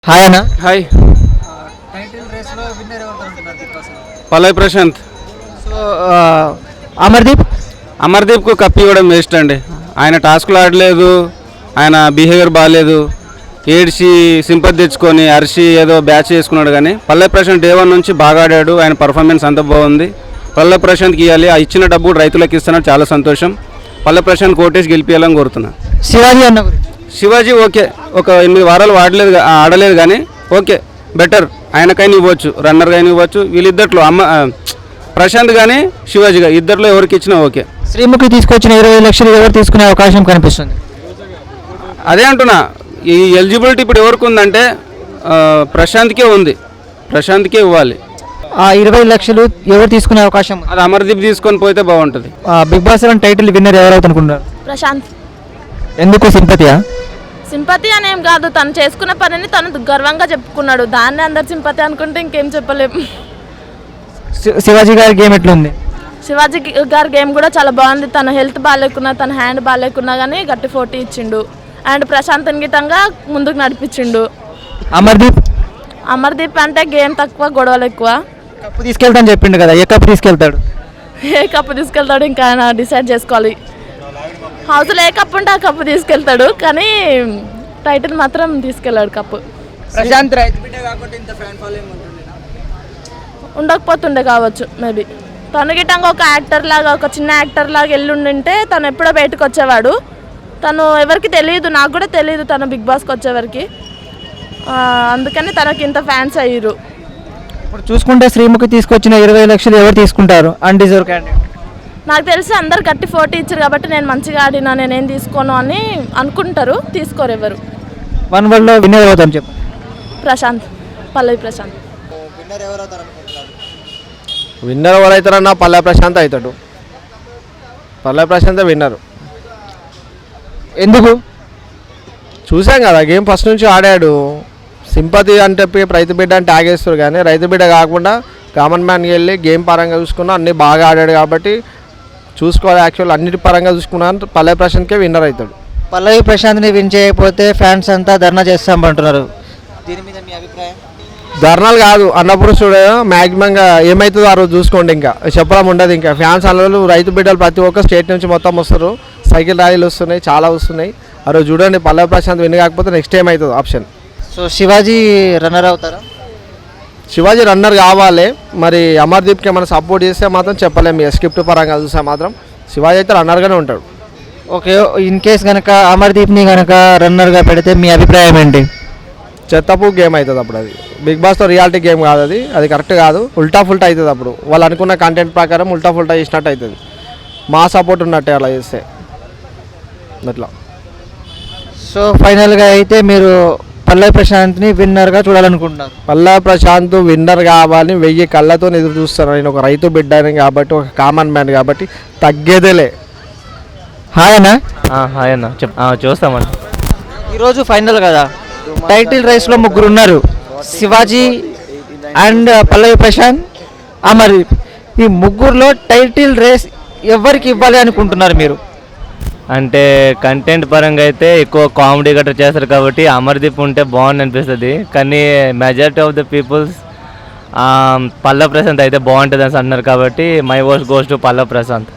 Hi అన్న. Hi. Title race లో winner ఎవరు అనుకుంటున్నారు Bigg Boss? Pallavi Prashanth. So Amardeep కు కప్ ఇవ్వడం వేస్ట్ అండి. ఆయన టాస్క్లు ఆడలేదు, ఆయన బిహేవియర్ బాగాలేదు, ఏడ్చి సింపతి తెచ్చుకొని అరిసి ఏదో బ్యాచ్ చేసుకున్నాడు. కానీ పల్లవి ప్రశాంత్ డే 1 నుంచి బాగా ఆడాడు. ఆయన పర్ఫార్మెన్స్ అంత బాగుంది. పల్లవి ప్రశాంత్కి ఇవ్వాలి. ఆ ఇచ్చిన డబ్బు రైతులకు ఇస్తున్నారు, చాలా సంతోషం. పల్లవి ప్రశాంత్ కోటేసి గెలిపించాలని కోరుతున్నా. శివాజీ అన్న గురించి. శివాజీ ఓకే, ఒక 8 వారాలు ఆడలేదు కానీ ఓకే, బెటర్. ఆయనకైనా ఇవ్వచ్చు, రన్నర్గా ఇవ్వచ్చు. వీళ్ళిద్దట్లో ప్రశాంత్ కానీ శివాజీ కానీ ఇద్దరిలో ఎవరికి ఇచ్చినా ఓకే. శ్రీముఖి తీసుకొచ్చిన 20 లక్షలు ఎవరు తీసుకునే అవకాశం కనిపిస్తుంది? అదే అంటున్నా, ఈ ఎలిజిబిలిటీ ఇప్పుడు ఎవరికి ఉందంటే ప్రశాంత్కే ఉంది, ప్రశాంత్కే ఇవ్వాలి. ఆ 20 లక్షలు ఎవరు తీసుకునే అవకాశం? అది అమర్దీప్ తీసుకొని పోతే బాగుంటుంది. బిగ్ బాస్ 7 టైటిల్ విన్నర్ ఎవరైతే అనుకుంటున్నారు? ప్రశాంత్. ఎందుకు సింపతియా? సింపతి అనేం కాదు, తను చేసుకున్న పనిని తను గర్వంగా చెప్పుకున్నాడు. దాన్ని అందరు సింపతి అనుకుంటే ఇంకేం చెప్పలేము. శివాజీ గారి గేమ్ ఎట్లుంది? శివాజీ గారి గేమ్ కూడా చాలా బాగుంది. తన హెల్త్ బాగాలేకున్నా, తన హ్యాండ్ బాగాలేకున్నా కానీ గట్టి 40 ఇచ్చిండు. అండ్ ప్రశాంత్ గిట్టంగా ముందుకు నడిపించిండు. అమర్దీప్ అంటే గేమ్ తక్కువ, గొడవలు ఎక్కువ. కప్పు తీసుకెళ్తాను చెప్పిండు కదా, ఏ కప్పు తీసుకెళ్తాడు? ఏ కప్పు తీసుకెళ్తాడు ఇంకా ఆయన డిసైడ్ చేసుకోవాలి. హౌస్లో ఏ కప్పు ఉంటే ఆ కప్పు తీసుకెళ్తాడు, కానీ టైటిల్ మాత్రం తీసుకెళ్ళాడు కప్పు. ప్రశాంత్ ఉండకపోతుండే కావచ్చు మేబీ. తను గిట్టంగా ఒక యాక్టర్ లాగా, ఒక చిన్న యాక్టర్ లాగా వెళ్ళుండింటే తను ఎప్పుడో బయటకు వచ్చేవాడు. తను ఎవరికి తెలియదు, నాకు కూడా తెలియదు తను బిగ్ బాస్కి వచ్చేవరకు. అందుకని తనకి ఇంత ఫ్యాన్స్ అయ్యారు. ఇప్పుడు చూసుకుంటే శ్రీముఖి తీసుకొచ్చిన 20 లక్షలు ఎవరు తీసుకుంటారు? Undeserve candidate. నాకు తెలిసి అందరు గట్టి 40 ఇచ్చారు కాబట్టి నేను మంచిగా ఆడినా, నేనేం తీసుకోను అని అనుకుంటారు, తీసుకోరు ఎవరు. 1 వరల్డ్లో విన్నర్ అవుతాను చెప్పు. ప్రశాంత్, పల్లవి ప్రశాంత్. విన్నర్ ఎవరైతారన్నా పల్లవి ప్రశాంత్ అవుతాడు. పల్లవి ప్రశాంత్ విన్నర్. ఎందుకు? చూసాం కదా, గేమ్ ఫస్ట్ నుంచి ఆడాడు. సింపతి అంటే రైతు బిడ్డ అంటే ఆగేస్తారు, కానీ రైతు బిడ్డ కాకుండా కామన్ మ్యాన్కి వెళ్ళి గేమ్ పరంగా చూసుకున్నా అన్నీ బాగా ఆడాడు. కాబట్టి చూసుకోవాలి, యాక్చువల్ అన్నిటి పరంగా చూసుకున్నా పల్లవి ప్రశాంత్కే విన్నర్ అవుతాడు. పల్లవి ప్రశాంత్ని విన్ చేయకపోతే ఫ్యాన్స్ అంతా ధర్నా చేస్తామంటున్నారు. దీని మీద మీ అభిప్రాయం? ధర్నాలు కాదు, అన్నపురుషుడు మ్యాక్సిమంగా ఏమవుతుందో ఆ రోజు చూసుకోండి. ఇంకా చెప్పడం ఉండదు. ఇంకా ఫ్యాన్స్ అన్నలు రైతు బిడ్డలు ప్రతి ఒక్క స్టేట్ నుంచి మొత్తం వస్తారు. సైకిల్ ర్యాలీలు వస్తున్నాయి, చాలా వస్తున్నాయి. ఆ రోజు చూడండి, పల్లవి ప్రశాంత్ విన్ కాకపోతే నెక్స్ట్ టైం అవుతుంది ఆప్షన్. సో శివాజీ రన్నర్ అవుతారా? శివాజీ రన్నర్ కావాలి. మరి అమర్దీప్కి ఏమైనా సపోర్ట్ చేస్తే మాత్రం చెప్పలేము. స్క్రిప్ట్ పరంగా చూస్తే మాత్రం శివాజీ అయితే రన్నర్గానే ఉంటాడు. ఓకే, ఇన్ కేస్ కనుక అమర్దీప్ని కనుక రన్నర్గా పెడితే మీ అభిప్రాయం ఏంటి? చెత్తపు గేమ్ అవుతుంది అప్పుడు. అది బిగ్ బాస్తో రియాలిటీ గేమ్ కాదు, అది కరెక్ట్ కాదు. ఉల్టా ఫుల్టా అవుతుంది అప్పుడు. వాళ్ళు అనుకున్న కంటెంట్ ప్రకారం ఉల్టా ఫుల్టా చేసినట్టు అవుతుంది. మా సపోర్ట్ ఉన్నట్టే అలా చేస్తే అట్లా. సో ఫైనల్గా అయితే మీరు పల్లవి ప్రశాంత్ని విన్నర్గా చూడాలనుకుంటున్నారు? పల్లవి ప్రశాంత్ విన్నర్ కావాలని 1000 కళ్ళతో ఎదురు చూస్తాను. నేను ఒక రైతు బిడ్డని కాబట్టి, ఒక కామన్ మ్యాన్ కాబట్టి తగ్గేదేలే. హాయ్ అన్న. హాయ్ అన్న, చూస్తామన్న. ఈరోజు ఫైనల్ కదా, టైటిల్ రేస్లో 3 ఉన్నారు. శివాజీ అండ్ పల్లవి ప్రశాంత్, అమర్దీప్. ఈ 3లో టైటిల్ రేస్ ఎవరికి ఇవ్వాలి అనుకుంటున్నారు మీరు? అంటే కంటెంట్ పరంగా అయితే ఎక్కువ కామెడీ గట్రా చేస్తారు కాబట్టి అమర్దీప్ ఉంటే బాగుంది అనిపిస్తుంది. కానీ majority of the peoples Pallavi Prashanth అయితే బాగుంటుంది అని అన్నారు. కాబట్టి my voice goes to Pallavi Prashanth.